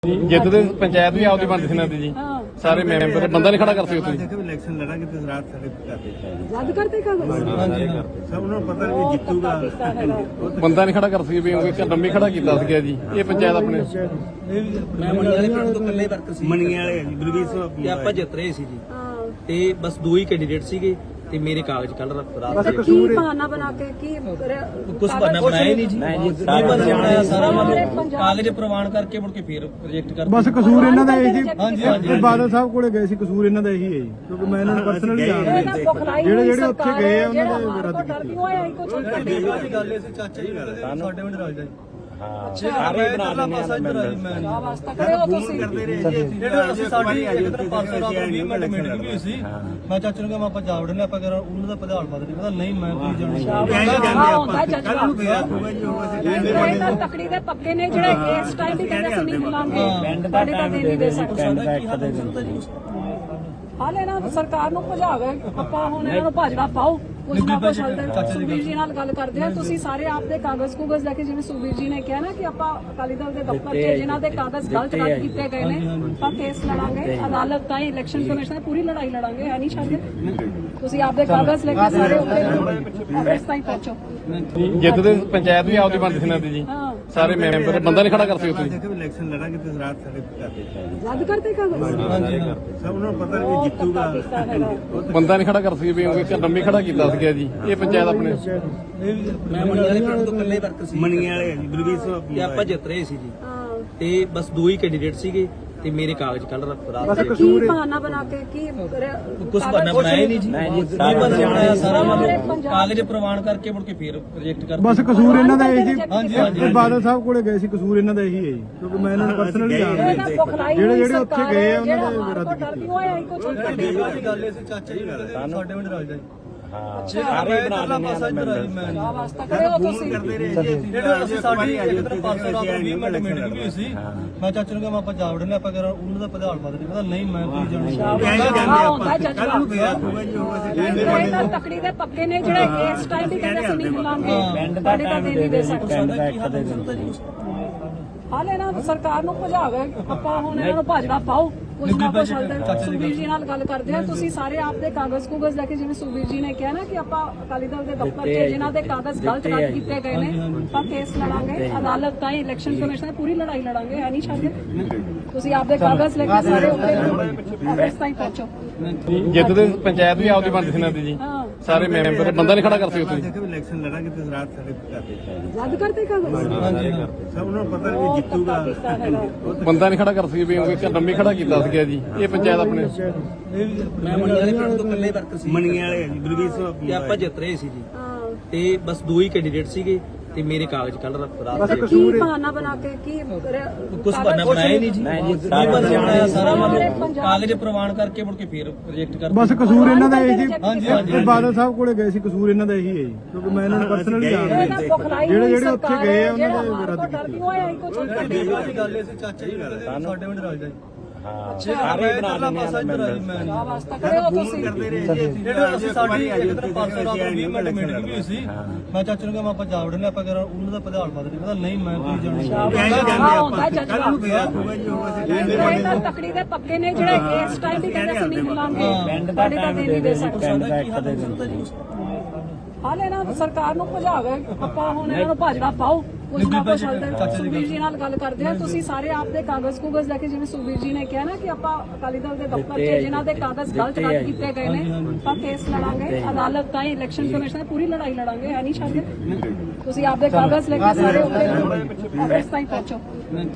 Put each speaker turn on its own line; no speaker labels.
ਜਿੱਤਦੇ ਪੰਚਾਇਤ ਵੀ ਆਪਦੀ ਬਣਦੀ ਸੀ ਨਾ ਦੀ ਜੀ ਸਾਰੇ ਮੈਂਬਰ ਬੰਦਾ ਨਹੀਂ ਖੜਾ ਕਰ ਸਕਦੇ ਤੁਸੀਂ
ਦੇਖੋ ਇਲੈਕਸ਼ਨ ਲੜਾਂਗੇ ਤੇ ਰਾਤ ਸਾਡੇ ਕਰਦੇ
ਰੱਦ ਕਰਤੇ ਕਾਗਜ਼
ਹਾਂਜੀ ਸਭ ਨੂੰ ਪਤਾ ਵੀ ਜਿੱਤੂਗਾ
ਬੰਦਾ ਨਹੀਂ ਖੜਾ ਕਰ ਸਕਦੇ ਵੀ ਉਹ ਲੰਮੀ ਖੜਾ ਕੀਤਾ ਸੀਗਾ ਜੀ ਇਹ ਪੰਚਾਇਤ ਆਪਣੇ
ਮੈਂ ਮਣੀਆਂ ਵਾਲੇ ਪਿੰਡ ਤੋਂ ਇਕੱਲੇ ਵਰਕਰ ਸੀ
ਮਣੀਆਂ ਵਾਲੇ ਜੀ ਬਲਵੀਰ ਸਿੰਘ
ਤੇ ਆਪਾਂ ਜਿੱਤ ਰਹੇ ਸੀ ਜੀ ਤੇ ਬਸ ਦੋ ਹੀ ਕੈਂਡੀਡੇਟ ਸੀਗੇ ਤੇ ਮੇਰੇ ਕਾਗਜ਼ ਕੱਲ ਰਾਤ ਦੇ
ਕੀ ਬਹਾਨਾ ਬਣਾ ਕੇ ਕੀ
ਕੁਝ ਬਹਾਨਾ ਬਣਾਇਆ ਨਹੀਂ ਜੀ ਸਾਰਾ ਬਣਾਇਆ ਸਾਰਾ ਕਾਗਜ਼ ਪ੍ਰਵਾਨ ਕਰਕੇ ਮੁੜ ਕੇ ਫੇਰ ਰਿਜੈਕਟ ਕਰ
ਬਸ ਕਸੂਰ ਇਹਨਾਂ ਦਾ ਇਹੀ ਜੀ ਬਾਦਲ ਸਾਹਿਬ ਕੋਲੇ ਗਏ ਸੀ ਕਸੂਰ ਇਹਨਾਂ ਦਾ ਇਹੀ ਹੈ ਜੀ ਕਿਉਂਕਿ ਮੈਂ ਇਹਨਾਂ ਨੂੰ ਪਰਸਨਲੀ ਜਾਣਦਾ ਜਿਹੜੇ ਉੱਥੇ ਗਏ ਆ ਉਹਨਾਂ ਦੇ ਰੱਦ ਕੀਤੀ
ਗੱਲ ਸੀ ਚਾਚਾ ਜੀ ਸਾਡੇ ਪਿੰਡ ਰਾਜ ਦਾ
ਸਾਰੇ ਬਣਾ ਲੈਣੇ ਆ
ਵਾਸਤਾ ਕਰਿਓ ਤੁਸੀਂ
ਜਿਹੜਾ ਅਸੀਂ ਸਾਡੀ ਪਰਸੋਂ ਰਾਤ 20 ਮਿੰਟ ਮੀਟਿੰਗ ਵੀ ਸੀ ਮੈਂ ਚਾਚਾ ਨੂੰ ਕਿਹਾ ਆਪਾਂ ਜਾ ਵੜਨੇ ਆਪਾਂ ਕਰਾਂ ਉਹਨਾਂ ਦਾ ਪ੍ਰਧਾਨ ਪਦ ਨਹੀਂ ਪਤਾ ਨਹੀਂ ਮੈਂ ਕੋਈ
ਜਾਣਦਾ ਤਕੜੀ ਦੇ ਪੱਕੇ ਨੇ ਜਿਹੜੇ ਇਸ ਟਾਈਮ ਵੀ ਕਹਿੰਦੇ ਅਸੀਂ ਨਹੀਂ ਬੁਲਾਉਂਗੇ ਤੁਹਾਡੇ ਤਾਂ ਦੇ ਨਹੀਂ ਦੇ ਸਕਦੇ ਹਾਲੇ ਨਾ ਸਰਕਾਰ ਨੂੰ ਭਜਾਵੇ ਆਪਾਂ ਹੁਣ ਇਹਨਾਂ ਨੂੰ ਭਾਜੜਾ ਪਾਓ ਕੁਝ ਨਾ ਕੁਝ ਸੁਖਬੀਰ ਜੀ ਨਾਲ ਗੱਲ ਕਰਦੇ ਆ ਤੁਸੀਂ ਸਾਰੇ ਆਪ ਦੇ ਕਾਗਜ਼ ਕੁਗਜ਼ ਲੈ ਕੇ ਜਿਵੇਂ ਸੁਖਬੀਰ ਜੀ ਨੇ ਕਿਹਾ ਨਾ ਕਿ ਆਪਾਂ ਅਕਾਲੀ ਦਲ ਦੇ ਦਫ਼ਤਰ 'ਚ ਜਿਨ੍ਹਾਂ ਦੇ ਕਾਗਜ਼ ਗਲਤ ਰੱਦ ਕੀਤੇ ਗਏ ਨੇ ਆਪਾਂ ਕੇਸ ਲੜਾਂਗੇ ਅਦਾਲਤ ਤਾਈਂ ਇਲੈਕਸ਼ਨ ਕਮਿਸ਼ਨ ਦੀ ਪੂਰੀ ਲੜਾਈ ਲੜਾਂਗੇ ਹੈ ਨਹੀਂ ਛੱਡਦੇ ਤੁਸੀਂ ਆਪ ਦੇ ਕਾਗਜ਼ ਲੈ ਕੇ ਸਾਰੇ ਉੱਤੇ ਇਸ ਤਾਈਂ ਪਹੁੰਚੋ
ਜਿੱਤਦੇ ਪੰਚਾਇਤ ਵੀ ਆਪਦੀ ਬਣਦੀ ਸੀ ਨਾ ਦੀ ਜੀ ਸਾਰੇ ਮੈਂਬਰ ਬੰਦਾ ਨਹੀਂ ਖੜਾ ਕਰ ਸਕਦੇ ਤੁਸੀਂ
ਦੇਖੋ ਇਲੈਕਸ਼ਨ ਲੜਾਂਗੇ ਤੇ ਰਾਤ ਸਾਡੇ ਕਰਦੇ
ਰੱਦ ਕਰਤੇ ਕਾਗਜ਼
ਹਾਂਜੀ ਸਭ ਨੂੰ ਪਤਾ ਵੀ ਜਿੱਤੂਗਾ
ਬੰਦਾ ਨਹੀਂ ਖੜਾ ਕਰ ਸਕਦੇ ਵੀ ਉਹ ਲੰਮੀ ਖੜਾ ਕੀਤਾ ਸੀਗਾ ਜੀ ਇਹ ਪੰਚਾਇਤ ਆਪਣੇ
ਮੈਂ ਮਣੀਆਂ ਵਾਲੇ ਪਿੰਡ ਤੋਂ ਇਕੱਲੇ ਵਰਕਰ ਸੀ
ਮਣੀਆਂ ਵਾਲੇ ਜੀ ਬਲਵੀਰ ਸਿੰਘ
ਤੇ ਆਪਾਂ ਜਿੱਤ ਰਹੇ ਸੀ ਜੀ ਤੇ ਬਸ ਦੋ ਹੀ ਕੈਂਡੀਡੇਟ ਸੀਗੇ ਤੇ ਮੇਰੇ ਕਾਗਜ਼ ਕੱਲ ਰਾਤ ਦੇ
ਕੀ ਬਹਾਨਾ ਬਣਾ ਕੇ ਕੀ
ਕੁਝ ਬਹਾਨਾ ਬਣਾਇਆ ਨਹੀਂ ਜੀ ਸਾਰਾ ਬਣਾਇਆ ਸਾਰਾ ਕਾਗਜ਼ ਪ੍ਰਵਾਨ ਕਰਕੇ ਮੁੜ ਕੇ ਫੇਰ ਰਿਜੈਕਟ ਕਰ
ਬਸ ਕਸੂਰ ਇਹਨਾਂ ਦਾ ਇਹੀ ਜੀ ਬਾਦਲ ਸਾਹਿਬ ਕੋਲੇ ਗਏ ਸੀ ਕਸੂਰ ਇਹਨਾਂ ਦਾ ਇਹੀ ਹੈ ਜੀ ਕਿਉਂਕਿ ਮੈਂ ਇਹਨਾਂ ਨੂੰ ਪਰਸਨਲੀ ਜਾਣਦਾ ਜਿਹੜੇ ਉੱਥੇ ਗਏ ਆ ਉਹਨਾਂ ਦੇ ਰੱਦ ਕੀਤੀ
ਗੱਲ ਸੀ ਚਾਚਾ ਜੀ ਸਾਡੇ ਪਿੰਡ ਰਾਜ ਦਾ
ਸਾਰੇ ਬਣਾ ਲੈਣੇ ਆ
ਵਾਸਤਾ ਕਰਿਓ ਤੁਸੀਂ
ਜਿਹੜਾ ਅਸੀਂ ਸਾਡੀ ਪਰਸੋਂ ਰਾਤ 20 ਮਿੰਟ ਮੀਟਿੰਗ ਵੀ ਸੀ ਮੈਂ ਚਾਚਾ ਨੂੰ ਕਿਹਾ ਆਪਾਂ ਜਾ ਵੜਨੇ ਆਪਾਂ ਕਰਾਂ ਉਹਨਾਂ ਦਾ ਪ੍ਰਧਾਨ ਪਦ ਨਹੀਂ ਪਤਾ ਨਹੀਂ ਮੈਂ ਕੋਈ
ਜਾਣਦਾ ਤਕੜੀ ਦੇ ਪੱਕੇ ਨੇ ਜਿਹੜੇ ਇਸ ਟਾਈਮ ਵੀ ਕਹਿੰਦੇ ਅਸੀਂ ਨਹੀਂ ਬੁਲਾਉਂਗੇ ਤੁਹਾਡੇ ਤਾਂ ਦੇ ਨਹੀਂ ਦੇ ਸਕਦੇ ਹਾਲੇ ਨਾ ਸਰਕਾਰ ਨੂੰ ਭਜਾਵੇ ਆਪਾਂ ਹੁਣ ਇਹਨਾਂ ਨੂੰ ਭਾਜੜਾ ਪਾਓ ਕੁਝ ਨਾ ਕੁਝ ਸੁਖਬੀਰ ਜੀ ਨਾਲ ਗੱਲ ਕਰਦੇ ਆ ਤੁਸੀਂ ਸਾਰੇ ਆਪ ਦੇ ਕਾਗਜ਼ ਕੁਗਜ਼ ਲੈ ਕੇ ਜਿਵੇਂ ਸੁਖਬੀਰ ਜੀ ਨੇ ਕਿਹਾ ਨਾ ਕਿ ਆਪਾਂ ਅਕਾਲੀ ਦਲ ਦੇ ਦਫ਼ਤਰ 'ਚ ਜਿਨ੍ਹਾਂ ਦੇ ਕਾਗਜ਼ ਗਲਤ ਰੱਦ ਕੀਤੇ ਗਏ ਨੇ ਆਪਾਂ ਕੇਸ ਲੜਾਂਗੇ ਅਦਾਲਤ ਤਾਈਂ ਇਲੈਕਸ਼ਨ ਕਮਿਸ਼ਨ ਦੀ ਪੂਰੀ ਲੜਾਈ ਲੜਾਂਗੇ ਹੈ ਨਹੀਂ ਛੱਡਦੇ ਤੁਸੀਂ ਆਪ ਦੇ ਕਾਗਜ਼ ਲੈ ਕੇ ਸਾਰੇ ਉੱਤੇ ਇਸ ਤਾਈਂ ਪਹੁੰਚੋ
ਜਿੱਤਦੇ ਪੰਚਾਇਤ ਵੀ ਆਪਦੀ ਬਣਦੀ ਸੀ ਨਾ ਦੀ ਜੀ ਸਾਰੇ ਮੈਂਬਰ ਬੰਦਾ ਨਹੀਂ ਖੜਾ ਕਰ ਸਕਦੇ ਤੁਸੀਂ
ਦੇਖੋ ਇਲੈਕਸ਼ਨ ਲੜਾਂਗੇ ਤੇ ਰਾਤ ਸਾਡੇ ਕਰਦੇ
ਰੱਦ ਕਰਤੇ ਕਾਗਜ਼
ਹਾਂਜੀ ਸਭ ਨੂੰ ਪਤਾ ਵੀ ਜਿੱਤੂਗਾ
ਬੰਦਾ ਨਹੀਂ ਖੜਾ ਕਰ ਸਕਦੇ ਵੀ ਉਹ ਲੰਮੀ ਖੜਾ ਕੀਤਾ ਸੀਗਾ ਜੀ ਇਹ ਪੰਚਾਇਤ ਆਪਣੇ
ਮੈਂ ਮਣੀਆਂ ਵਾਲੇ ਪਿੰਡ ਤੋਂ ਇਕੱਲੇ ਵਰਕਰ ਸੀ
ਮਣੀਆਂ ਵਾਲੇ ਜੀ ਬਲਵੀਰ ਸਿੰਘ
ਤੇ ਆਪਾਂ ਜਿੱਤ ਰਹੇ ਸੀ ਜੀ ਤੇ ਬਸ ਦੋ ਹੀ ਕੈਂਡੀਡੇਟ ਸੀਗੇ ਤੇ ਮੇਰੇ ਕਾਗਜ਼ ਕੱਲ ਰਾਤ ਦੇ
ਕੀ ਬਹਾਨਾ ਬਣਾ ਕੇ ਕੀ
ਕੁਝ ਬਹਾਨਾ ਬਣਾਇਆ ਨਹੀਂ ਜੀ ਸਾਰਾ ਬਣਾਇਆ ਸਾਰਾ ਕਾਗਜ਼ ਪ੍ਰਵਾਨ ਕਰਕੇ ਮੁੜ ਕੇ ਫੇਰ ਰਿਜੈਕਟ ਕਰ
ਬਸ ਕਸੂਰ ਇਹਨਾਂ ਦਾ ਇਹੀ ਜੀ ਬਾਦਲ ਸਾਹਿਬ ਕੋਲੇ ਗਏ ਸੀ ਕਸੂਰ ਇਹਨਾਂ ਦਾ ਇਹੀ ਹੈ ਜੀ ਕਿਉਂਕਿ ਮੈਂ ਇਹਨਾਂ ਨੂੰ ਪਰਸਨਲੀ ਜਾਣਦਾ ਜਿਹੜੇ ਉੱਥੇ ਗਏ ਆ ਉਹਨਾਂ ਦੇ ਰੱਦ ਕੀਤੀ
ਗੱਲ ਸੀ ਚਾਚਾ ਜੀ ਸਾਡੇ ਪਿੰਡ ਰਾਜ ਦਾ
ਸਾਰੇ ਬਣਾ ਲੈਣੇ ਆ
ਵਾਸਤਾ ਕਰਿਓ ਤੁਸੀਂ
ਜਿਹੜਾ ਅਸੀਂ ਸਾਡੀ ਪਰਸੋਂ ਰਾਤ 20 ਮਿੰਟ ਮੀਟਿੰਗ ਵੀ ਸੀ ਮੈਂ ਚਾਚਾ ਨੂੰ ਕਿਹਾ ਆਪਾਂ ਜਾ ਵੜਨੇ ਆਪਾਂ ਕਰਾਂ ਉਹਨਾਂ ਦਾ ਪ੍ਰਧਾਨ ਪਦ ਨਹੀਂ ਪਤਾ ਨਹੀਂ ਮੈਂ ਕੋਈ
ਜਾਣਦਾ ਤਕੜੀ ਦੇ ਪੱਕੇ ਨੇ ਜਿਹੜੇ ਇਸ ਟਾਈਮ ਵੀ ਕਹਿੰਦੇ ਅਸੀਂ ਨਹੀਂ ਬੁਲਾਉਂਗੇ ਤੁਹਾਡੇ ਤਾਂ ਦੇ ਨਹੀਂ ਦੇ ਸਕਦੇ ਹਾਲੇ ਨਾ ਸਰਕਾਰ ਨੂੰ ਭਜਾਵੇ ਆਪਾਂ ਹੁਣ ਇਹਨਾਂ ਨੂੰ ਭਾਜੜਾ ਪਾਓ ਕੁਝ ਨਾ ਕੁਝ ਸੁਖਬੀਰ ਜੀ ਨਾਲ ਗੱਲ ਕਰਦੇ ਆ ਤੁਸੀਂ ਸਾਰੇ ਆਪ ਦੇ ਕਾਗਜ਼ ਕੁਗਜ਼ ਲੈ ਕੇ ਜਿਵੇਂ ਸੁਖਬੀਰ ਜੀ ਨੇ ਕਿਹਾ ਨਾ ਕਿ ਆਪਾਂ ਅਕਾਲੀ ਦਲ ਦੇ ਦਫ਼ਤਰ 'ਚ ਜਿਨ੍ਹਾਂ ਦੇ ਕਾਗਜ਼ ਗਲਤ ਰੱਦ ਕੀਤੇ ਗਏ ਨੇ ਆਪਾਂ ਕੇਸ ਲੜਾਂਗੇ ਅਦਾਲਤ ਤਾਈਂ ਇਲੈਕਸ਼ਨ ਕਮਿਸ਼ਨ ਦੀ ਪੂਰੀ ਲੜਾਈ ਲੜਾਂਗੇ ਹੈ ਨਹੀਂ ਛੱਡਦੇ ਤੁਸੀਂ ਆਪ ਦੇ ਕਾਗਜ਼ ਲੈ ਕੇ ਸਾਰੇ ਉੱਤੇ ਇਸ ਤਾਈਂ ਪਹੁੰਚੋ